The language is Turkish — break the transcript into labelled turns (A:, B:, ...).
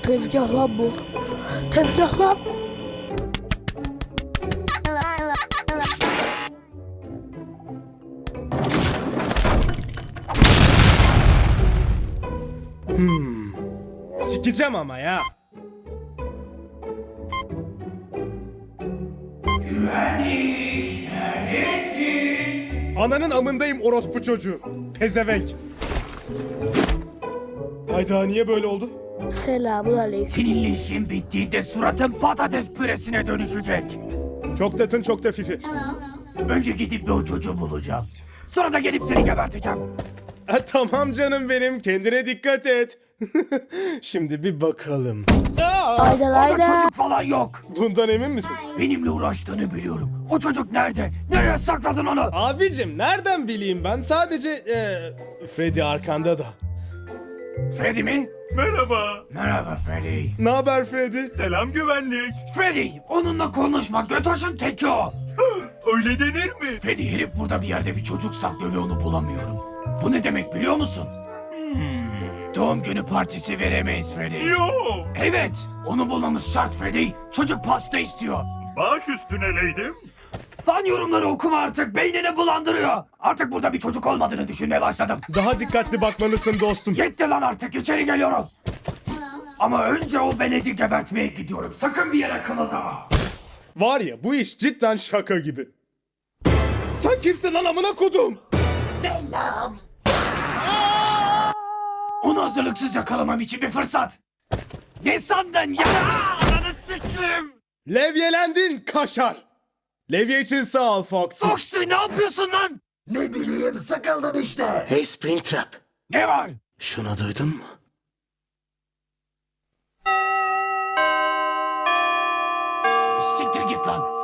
A: Tezgah lan bu. Tezgah lan.
B: Sikeceğim ama ya.
C: Güvenlik neredesin?
B: Ananın amındayım orospu çocuğu. Pezevenk. Hayda niye böyle oldu?
A: Selamun aleyküm.
C: Seninle işin bittiğinde suratın patates püresine dönüşecek.
B: Çok tatın çok da fifi.
C: Önce gidip bir o çocuğu bulacağım. Sonra da gelip seni geberteceğim.
B: Tamam canım benim kendine dikkat et. Şimdi bir bakalım.
A: Aydan
C: Orada
A: aydan.
C: çocuk falan yok.
B: Bundan emin misin?
C: Benimle uğraştığını biliyorum. O çocuk nerede? Nereye sakladın onu?
B: Abicim nereden bileyim ben sadece Freddy arkanda da.
C: Freddy mi?
D: Merhaba.
C: Merhaba Freddy.
B: Ne haber Freddy?
D: Selam güvenlik.
C: Freddy, onunla konuşma. Götoş'un teki o.
D: Öyle denir mi?
C: Freddy, herif burada bir yerde bir çocuk saklıyor ve onu bulamıyorum. Bu ne demek biliyor musun? Doğum günü partisi veremeyiz Freddy.
D: Yo.
C: Evet, onu bulmamız şart Freddy. Çocuk pasta istiyor.
D: Baş üstüne leydim.
C: Fan yorumları okuma artık, beynini bulandırıyor. Artık burada bir çocuk olmadığını düşünmeye başladım.
B: Daha dikkatli bakmalısın dostum.
C: Yetti lan artık, içeri geliyorum. Ama önce o veledi gebertmeye gidiyorum. Sakın bir yere kımıldama.
B: Var ya bu iş cidden şaka gibi. Sen kimsin lan amına kodum?
C: Onu hazırlıksız yakalamam için bir fırsat. Ne sandın ya? Ananı sikeyim.
B: Levyelendin kaşar. Levye için sağ ol Foxy.
C: Foxy, ne yapıyorsun lan?
E: Ne bileyim sıkıldım işte.
B: Hey Springtrap.
C: Ne var?
B: Şunu duydun mu?
C: Siktir git lan.